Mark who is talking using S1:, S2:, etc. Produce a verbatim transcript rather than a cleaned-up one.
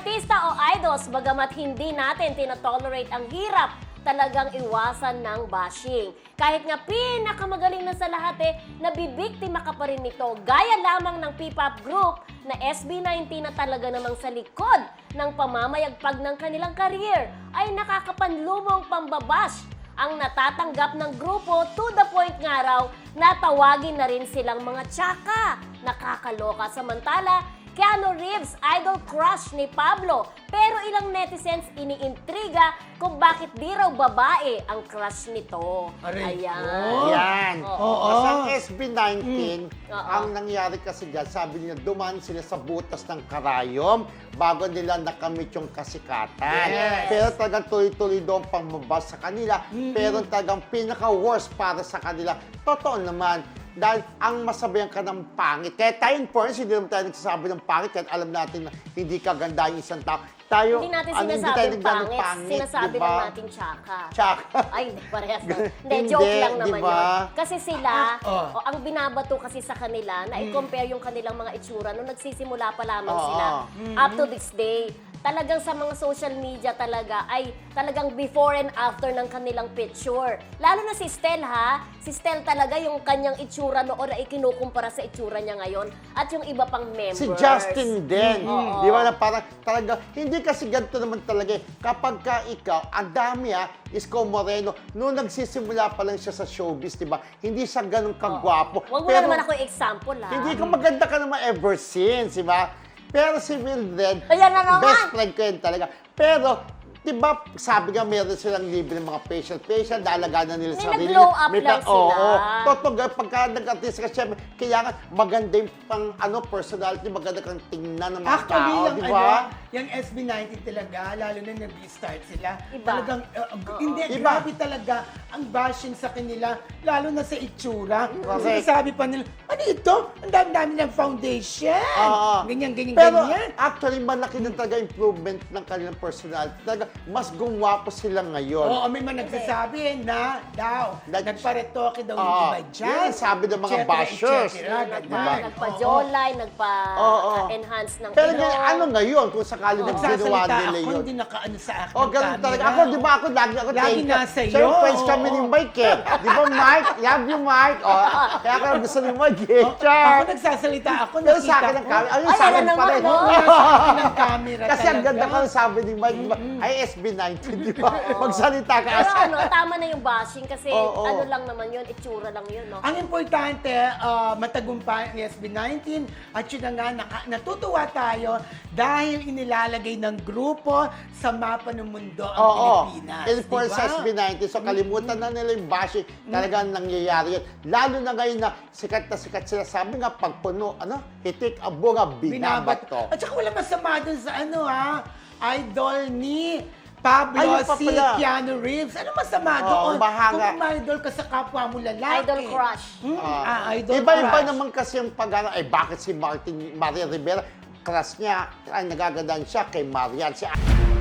S1: artista o idols, bagamat hindi natin tinotolerate ang hirap, talagang iwasan ng bashing. Kahit nga pinakamagaling na sa lahat eh, nabibiktima ka pa rin nito. Gaya lamang ng P-pop group na S B nineteen na talaga namang sa likod ng pamamayagpag ng kanilang career ay nakakapanlumong pambabash ang natatanggap ng grupo to the point nga raw na tawagin na rin silang mga tsaka. Nakakaloka. Samantala, Keanu Reeves, idol crush ni Pablo. Pero ilang netizens iniintriga kung bakit di raw babae ang crush nito.
S2: Aray
S1: Ayan.
S2: ko.
S3: Yan.
S2: Oo.
S3: Kasi ang S B nineteen,
S1: Mm. Oo.
S3: ang nangyari kasi dyan, sabi niya, dumaan sila sa butas ng karayom bago nila nakamit yung kasikatan.
S2: Yes.
S3: Pero talagang tuloy-tuloy doon pangmabas sa kanila. Pero talagang pinaka-worst para sa kanila. Totoo naman, dahil ang masabayan ka ng pangit. Kaya tayo in fairness, hindi naman tayo nagsasabi ng pangit kahit alam natin na hindi ka ganda yung isang tao. Tayo,
S1: Hindi natin
S3: ano,
S1: sinasabing
S3: tayo nagdadang
S1: pangit, sinasabi
S3: diba?
S1: lang natin tsaka.
S3: Tsaka.
S1: Ay, hindi parehas na. Hindi,
S3: Hindi,
S1: joke lang naman
S3: diba?
S1: yun. Kasi sila,
S2: Oh.
S1: o, ang binabato kasi sa kanila, na i-compare yung kanilang mga itsura nung nagsisimula pa lamang
S3: Oo.
S1: sila up to this day. Talagang sa mga social media talaga ay talagang before and after ng kanilang picture. Lalo na si Stel ha, si Stel talaga yung kanyang itsura noon ay kinukumpara sa itsura niya ngayon at yung iba pang members.
S3: Si Justin din.
S1: Oo.
S3: Di ba na parang talaga, hindi kasi ganito naman talaga eh. Kapag ka ikaw, ang dami ah, Isko Moreno, noong nagsisimula pa lang siya sa showbiz, di ba? Hindi siya ganun kagwapo.
S1: Huwag mo na naman ako example ha.
S3: Hindi ka maganda ka naman ever since, di ba? Pero si Mildred,
S1: Ayan na naman.
S3: best friend ko yun talaga. Pero, di ba, sabi nga meron silang libre ng mga facial-facial, dalagaan na nila
S1: May
S3: sa sarili.
S1: nag-glow up
S3: May
S1: lang
S3: ta-
S1: sila.
S3: Oo, totoo, pagka nag-artist ka, syempre, kailangan maganda yung pang, ano, personality, maganda kang tingnan ng mga
S2: Actually,
S3: tao,
S2: yung
S3: di
S2: ano,
S3: ba?
S2: yung S B nineteen talaga, lalo na nag-start sila,
S1: Iba.
S2: talagang, uh, hindi,
S3: Iba.
S2: grabe talaga ang bashing sa kanila, lalo na sa itsura.
S3: Correct.
S2: Kasi sabi pa nila, ano ito? Ang dami-dami ng foundation.
S3: Oo.
S2: Ganyan, ganyan,
S3: Pero
S2: ganyan.
S3: actually, malaki na talaga improvement ng kanilang personality. Talaga, mas gumwapo sila ngayon.
S2: Oo, may mga nagsasabi na daw,
S3: That-
S2: nagparetoke daw yung
S3: Oo.
S2: iba dyan.
S3: Yun ang sabi ng mga
S2: et cetera,
S3: bashers.
S2: et cetera,
S1: Nagpa,
S2: ganyan.
S1: nagpa-jolay,
S3: Oo.
S1: nagpa-enhance ng
S3: Pero
S1: ilong.
S3: ganyan, ano ngayon kung sakali
S2: Oo.
S3: na ginawa
S2: Nagsasalita
S3: nila
S2: ako,
S3: yun?
S2: hindi nakaano sa akin
S3: Oh,
S2: ng
S3: ganun
S2: camera.
S3: talaga. Ako, di ba ako, lagi ako
S2: Lagi
S3: thank you.
S2: nasa iyo.
S3: Siyempre, friends
S2: Oo,
S3: kami ni
S2: oo.
S3: Mike eh. Di ba, Mike? Love you, Mike. Oh, kaya ako gusto ni Mike eh.
S2: Ako
S3: Char.
S2: nagsasalita ako,
S3: Pero
S2: nakita
S3: sa akin
S2: ko.
S3: ang camera. Ayun,
S1: Ay,
S3: sa akin
S1: alam
S3: pa
S1: naman,
S3: rin.
S1: no?
S2: Nasa akin ang camera
S3: Kasi ang
S2: talaga.
S3: ganda ko sabi ni Mike, di ba? Ay, S B nineteen, di ba? Magsalita ka.
S1: Pero ano, tama na yung bashing kasi
S3: Oo.
S1: ano lang naman yun, itsura lang yun, no?
S2: Ang importante, ah, matagumpay ang S B nineteen at yun na nga, naka- natutuwa tayo dahil inilalagay ng grupo sa mapa ng mundo ang
S3: Oo.
S2: Pilipinas.
S3: And for
S2: diba?
S3: sa S B nineteen, so kalimutan na nila yung bashing. Talagang nangyayari yun. Lalo na ngayon na sikat na sikat sila. Sabi nga, pagpuno, ano, hitik ang bunga, binabat to.
S2: At saka wala masama dun sa ano ha, idol ni Pablo
S3: Ayun pa
S2: si
S3: pala.
S2: Keanu Reeves. Ano masama
S3: Oo,
S2: doon?
S3: bahanga.
S2: Kung idol ka sa kapwa mo lalaki.
S1: Idol crush.
S2: Hmm?
S3: Ah,
S2: Ah, idol
S3: Iba-iba
S2: crush.
S3: naman kasi yung pag eh bakit si Martin, Maria Rivera, crush niya, ay nagagandaan siya kay Marian. Si